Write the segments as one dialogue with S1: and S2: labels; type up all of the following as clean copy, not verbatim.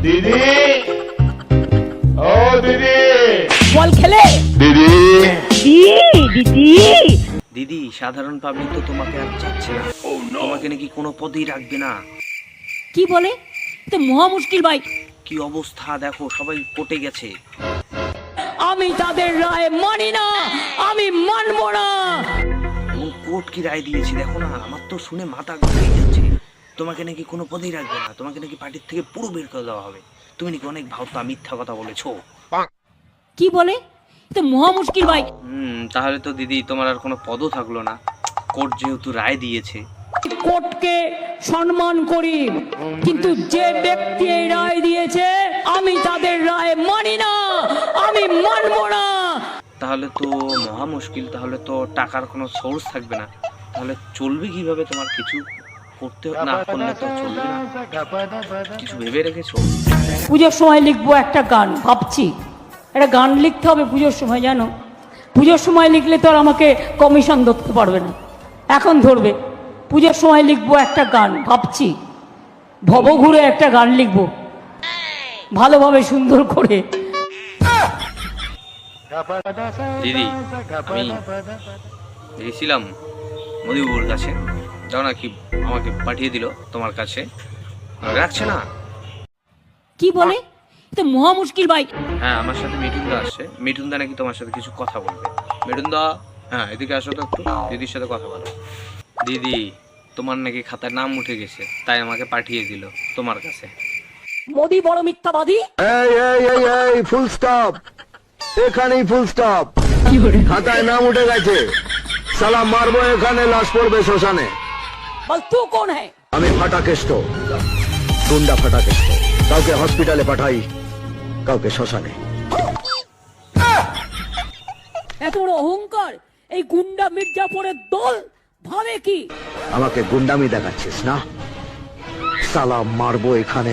S1: দিদি, ও দিদি,
S2: বল খেলে
S1: দিদি,
S2: দিদি।
S3: দিদি, সাধারণ পাবলিক তো তোমাকে আর চাচ্ছে না, তোমাকে নাকি কোনো পদেই রাখবে না।
S2: কি বলে? তো মহা মুশকিল ভাই।
S3: কি অবস্থা দেখো, সবাই কোর্টে গেছে।
S2: আমি তাদের রায় মানি না, আমি মানবো না।
S3: এবং কোর্ট কি রায় দিয়েছে দেখো না, আমার তো শুনে মাথা ঘুরে যাচ্ছে। তোমাকে নাকি কোনো পদেই রাখবে না, তোমাকে নাকি পার্টির থেকে পুরো বের করে দেওয়া হবে। তুমি নাকি অনেক ভাওতা মিথ্যা কথা বলেছো।
S2: কি বলে? তো মহা মুশকিল ভাই।
S3: তাহলে তো দিদি তোমার আর কোনো পদও থাকলো না, কোর্ট যেহেতু রায় দিয়েছে।
S2: কোর্টকে সম্মান করি, কিন্তু যে ব্যক্তি এই রায় দিয়েছে আমি তাদের রায় মানি না, আমি মানবো না।
S3: তাহলে তো মহা মুশকিল, তাহলে তো টাকার কোনো সোর্স থাকবে না, তাহলে চলবে কিভাবে? তোমার কিছু করতে না করলে তো চলবে না, কিছু ভেবে রেখেছো?
S2: পুজোর সময় লিখবো একটা গান, ভাবছি একটা গান লিখতে হবে পুজোর সময়, জানো পুজোর সময় লিখলে তো আর আমাকে কমিশন ধরতে পারবে না, এখন ধরবে। পুজোর সময় লিখবো একটা গান, ভাবছি ভব ঘুরে একটা গান লিখবো ভালোভাবে সুন্দর করে।
S3: দিদি, আমি গেছিলাম মদিবাবুর কাছে, যাও না কি আমাকে পাঠিয়ে দিল তোমার কাছে, রাখছে না।
S2: কি বলে? তো মহা মুশকিল ভাই।
S3: হ্যাঁ, আমার সাথে মিঠুনদা আসছে, মিঠুনদা নাকি তোমার সাথে কিছু কথা বলবে। মিঠুনদা, হ্যাঁ এদিকে আসো তো, একটু দিদির সাথে কথা বলো। দিদি, তোমার নাকি খাতায় নাম উঠে গেছে, তাই আমাকে পাঠিয়ে দিল তোমার কাছে।
S2: মোদি বড় মিথ্যাবাদী।
S4: এই এই এই এই ফুল স্টপ, এখানেই ফুল স্টপ। খাতায় নাম উঠে গেছে, সালা মারবো এখানে, লাশ পড়বে শ্মশানে।
S2: বল তু কোন হ্যায়?
S4: আমি ফাটাকেষ্ট, গুন্ডা ফাটাকেষ্ট। কাউকে হসপিটালে পাঠাই, কাউকে শ্মশানে।
S2: এত বড় অহংকার এই গুন্ডা মির্জাপুরের দল ভাবে কি?
S4: আমাকে গুন্ডামি দেখাচ্ছিস না? সালা মারবো এখানে,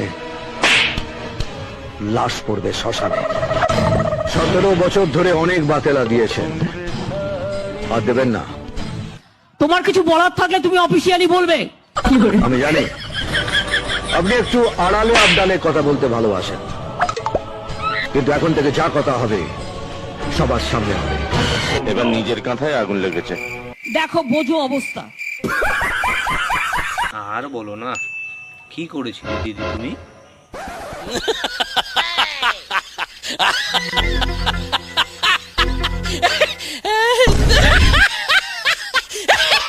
S4: লাশ পড়বে শ্মশানে। 17 বছর ধরে অনেক বাতেলা দিয়েছেন, আর দেবেন না।
S2: তোমার কিছু বলার থাকলে তুমি অফিসিয়ালি বলবে।
S4: আমি জানি আপনি একটু আড়ালে আবডালে কথা বলতে ভালোবাসেন, কিন্তু এখন থেকে যা কথা হবে সবার সামনে হবে।
S1: এবার নিজের কাঁথায় আগুন লেগেছে।
S2: দেখো বোঝো অবস্থা।
S3: আর বলো না, কি করেছিলে দিদি তুমি?